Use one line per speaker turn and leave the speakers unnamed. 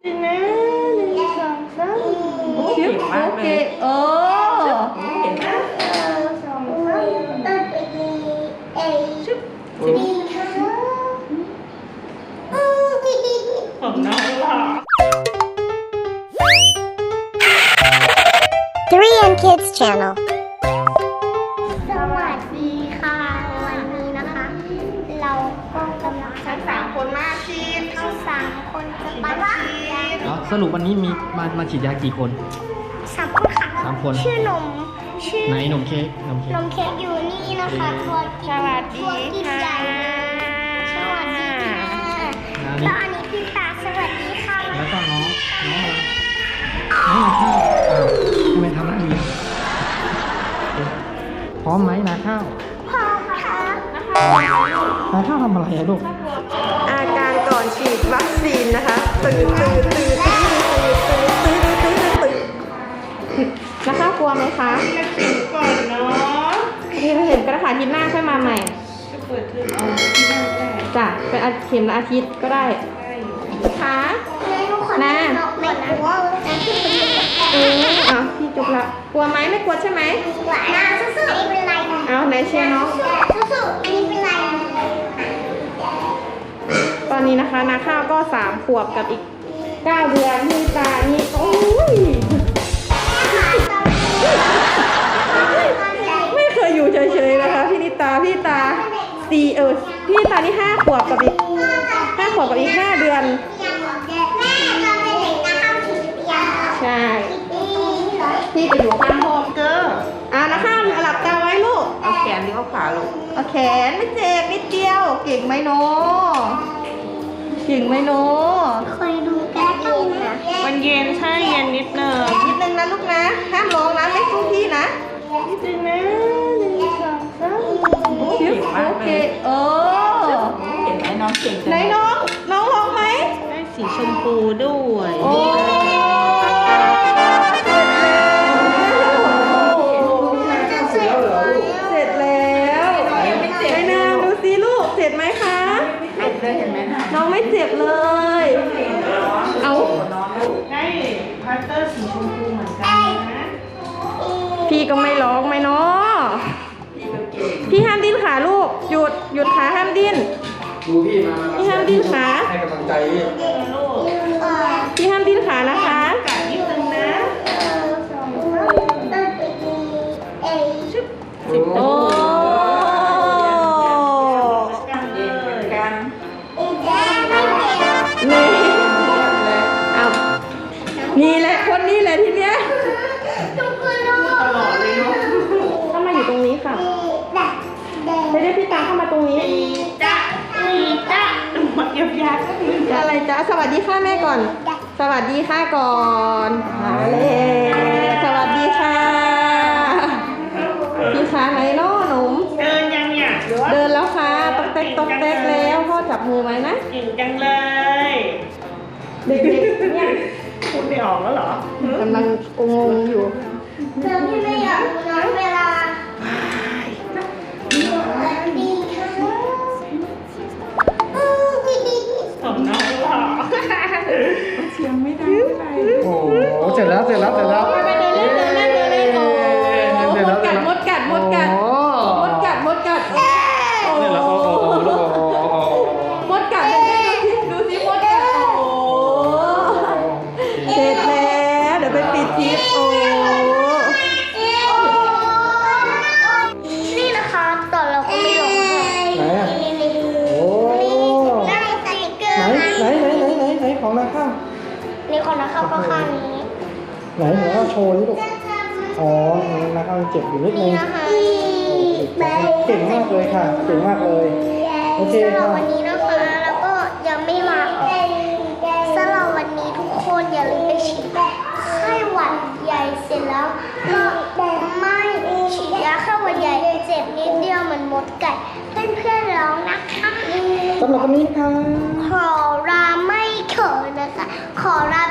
นะ1 2 3
เก่งมากเลย
เก่งนะชึบผมน้องหล่อ
3M Kids Channel
สวัสดีค่ะ วันนี้นะคะ เราก็กำลัง
ทั้ง3 คนมาฉีด
ทั้ง3 คนจะไปฉีด
สรุปวันนี้มีมาฉีดยากี่คน
3 คนค่ะ
3 คน
ชื่อนมชื่อ
ไหนนมเค้กนมเค้ก
นมเค้กอยู่นี่นะคะตัวกิน
สวัสดี
ตัวกิน
ค่ะ
ใหญ่สวัสดีค่ะแล้วอันนี้พี่ตาสวัสดีค่ะ
แล้วก็น้องนาข้าวทำไมทำหน้าดีพร้อมไหมนาข้าว
พ่อค่ะ
นาข้าวทำอะไรอะลูก
อาการก่อนฉีดวัคซีนนะคะตื่นนะคะกลัวไหมคะฉีดก่อนเนาะที่เราเห็นกระถางอาทิตย์หน้าค่อยมาใหม่จะเปิดเทอมเอาที่หน้าก็ได้จ้ะเป็นเข็มละอาทิตย์ก็ได้ค่ะนะ
ไม่กลัวนะพี่
พี่จุกละกลัวไหมไม่กลัวใช่ไหม
กลัวนะสู้ๆไม่เป็นไร
เอาไหนเชียร์น้อง
สู้ๆไม่เป็นไร
ตอนนี้นะคะนาข้าวก็3 ขวบกับอีก9 เดือนที่ตานี่โอ้ยไม่เคยอยู่เฉยๆนะคะพี่นิตาพี่ตาพี่ตานี่5 ขวบกับอีก5 ขวบกับอีก5 เดือนใช่พี่จะอยู่ข้างห้องเก้อนะข้าวหลับตาไว้ลูกเอาแขนหรือเอาขาลูกเอาแขนไม่เจ็บนิดเดียวเก่งไหมโนเก่งไหมโน
เคยดูการ์ตูนนะ
มันเย็นใช่เย็นนิดนึงนะลูกนะห้ามร้องนะไม่สู้พี่นะนิดนึงนะ1 2 3โอเค
เห็นไหมน้องเก่ง
ไหนน้องร้องไหม
ได้สีชมพูด้วย
โอ้เสร็จแล้วไม่นานดูสิลูกเสร็จไหมคะน้องไม่เจ็บเลยเอา
ได้พาสเตอร์สีชมพูเหมือนกันนะ
พี่ก็ไม่ร้องไหมเนาะพี่ห้ามดิ้นขาลูกหยุดขาห้ามดิ้น
ดูพี่มา
พี่ห้ามดิ้นขา
ให้กำลังใจพี่
พี่ห้ามดิ้นขานะคะ
กัดนิดนึงนะ
โอ้
กันเลยเหมือนกัน
นี่เอานี่แหละคนนี้แหละทีเนี้ย
ตลอดเลยเนาะ
เข้ามาอยู่ตรงนี้ค่ะไม่ได้พี่ตาเข้ามาตรงนี้
จ้ะหมดยับ
อะไรจ๊ะสวัสดีค่ะแม่ก่อน สวัสดีค่ะก่อนมาเลยสวัสดีค่ะพี่ขาไหนเนาะหนุ่ม
เดินยังเนี่ยหรือว่า
เดินแล้วค่ะตอกเต๊กแล้วพ่อจับมือไหมนะ
เก่งจังเลย
เด็กๆเนี่ย
พูดไม่ออกแล้วเหรอก
ำลังงงอยู่
เธอพี่ไม่อยากรู้นะเวลาดีค่ะ
ผมน้องหล่อ
โอ้โหเสร็จแล้ว
ไปเดินเล่นโอ้มดกัดโอ้
เสร็จแล้ว
มดกัดดูสิมดกัดโอ้เสร็จแล้วเดี๋ยวไปปิดคลิปโอ้
นี่นะคะตอนเราก็ไม่ลงค่ะ
ไหนอ่ะ
นี่
โอ้
ได้สติกเกอร์
ไหนของนาข้าว
นี่คนนะคะก็ข้างนี้
ไหนหนูเอาโชว์นี่ลูกอ๋อนาข้าวเจ็บอยู่นิดนึ
นี่
ง
นะคะ
เก่งมากเลยค่ะเก่งมากเลยโอเค
สำหรับ
ค่ะ
วันนี้นะคะแล้วก็ยังไม่มาสำหรับวันนี้ทุกคนอย่าลืมไปฉีดไข้หวัดใหญ่เสร็จแล้วก็ไม่ฉีดยาไข้หวัดใหญ่เจ็บนิดเดียวเหมือนมดกัดเพื่อนๆร้องนะคะ
สำหรับวันนี้ค่ะ
ขอลาไม่เขินนะคะ ขอลา